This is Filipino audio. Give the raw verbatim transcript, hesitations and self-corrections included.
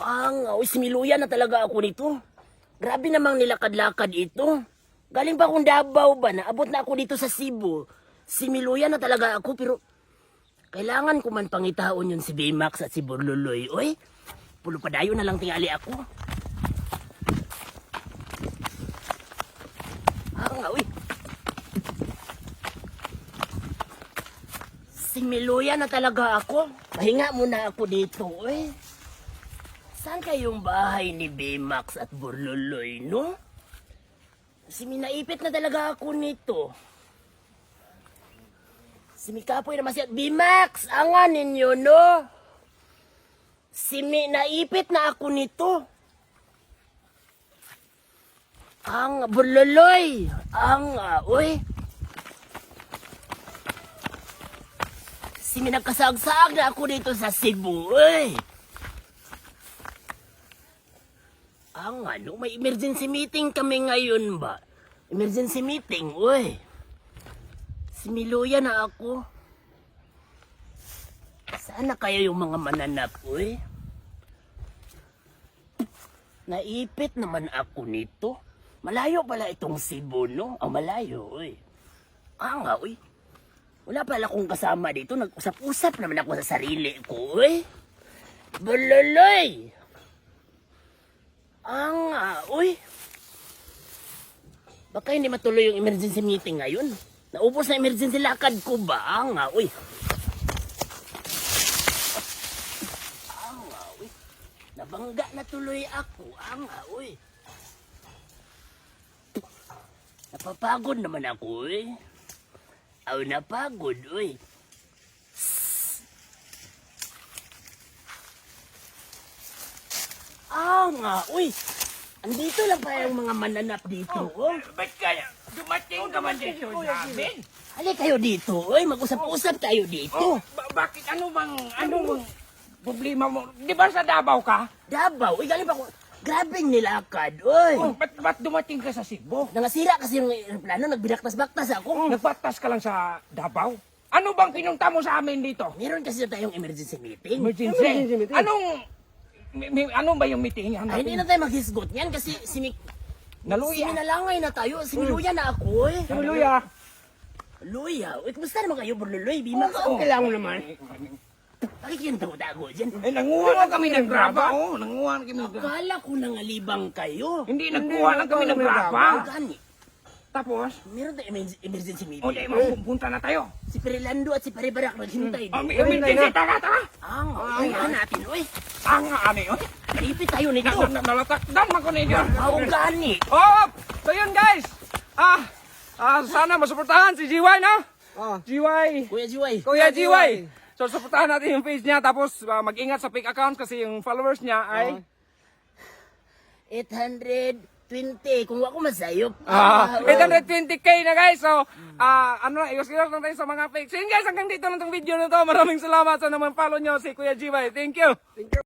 Ang, oh, similuyan na talaga ako nito. Grabe namang nilakad-lakad ito. Galing pa akong Davao ba? Naabot na ako dito sa Cebu. Similuyan na talaga ako pero kailangan ko man pangitaon yun si Baymax at si Borloloy. Oy, pulo padayo na lang tingali ako. Ang, oy. Similuyan na talaga ako. Pahinga muna ako dito, oy. Saan kayong bahay ni Baymax at Borloloy, no? Siminaipit na talaga ako nito. Simikapoy naman siya. Baymax, angan ninyo, no? Siminaipit na ako nito. Ang Borloloy. Ang, uh, uy. Siminagkasagsag na ako dito sa Cebu, uy. Ang ano, may emergency meeting kami ngayon ba? Emergency meeting, uy. Similuya na ako. Sana kayo yung mga mananap, uy. Naipit naman ako nito. Malayo pala itong Cebu, no? Ang malayo, uy. Ah nga, uy. Wala pala akong kasama dito. Nag-usap-usap naman ako sa sarili ko, uy. Bololoy! Ang nga, uy. Baka hindi matuloy yung emergency meeting ngayon. Naubos na emergency lakad ko ba? Ang nga, uy. Ang nga, uy. Nabangga na tuloy ako. Ang nga, uy. Napapagod naman ako, uy. Aw, napagod, uy. Ah, nga, uy. Andito lang pa yung mga mananap dito, oh. Ba't kaya? Dumating ka man dito sa amin? Hali kayo dito, uy. Mag-usap-usap tayo dito. Oh, ba- bakit? Ano bang, ano bang problema mo? Di ba sa Davao ka? Davao, uy. Galing pa ko. Grabing nilakad, uy. Oh, ba't, ba't dumating ka sa Cebu? Nangasira kasi yung aeroplano. Nagbinaktas-baktas ako. Nagpatas ka lang sa Davao? Ano bang pinunta mo sa amin dito? Meron kasi tayong emergency meeting. Emergency? Emergency meeting. Anong, may, may, ano ba yung meeting? Ano Ay, hindi na tayo maghisgot niyan kasi simi... Naluya. Siminalangay na tayo. Similuya na ako, eh. Luya. Luya. Uy, kumusta naman kayo, Borloloy? Bimax, Ang oh. kailangan mo naman. Bakit yung tago-tago dyan? Eh, nanguha lang kami ng graba. Oh, nanguha lang kami ng graba. Akala ko nangalibang kayo. Hindi, nagkuha lang kami ng Hindi, graba. Ang gani. Tapos, Meron tayong emergency- emergency o meeting. di, mapupunta na tayo. Si Perilando at si Paribarak naghintay. Oh, din. may emergency, taka, taka. Ang, ay, ano natin, uy. Tanga, ano yun? Malipit tayo nito. Na- na- Nalatakdam ako ninyo. Ang gani. Oh, so yun guys. Ah, ah sana masuportahan si G Y, no? Oh. G Y. Kuya Jiway. Kuya G Y. So suportahan natin yung page niya tapos ah, mag-ingat sa fake accounts kasi yung followers niya ay eight hundred twenty. Kung ako masayop. ah, oh. eight hundred twenty K na guys. So, ah ano, iwas-iwas lang tayo sa mga fake. So yun guys, hanggang dito lang tong video na to. Maraming salamat sa naman follow nyo si Kuya G Y. Thank you. Thank you.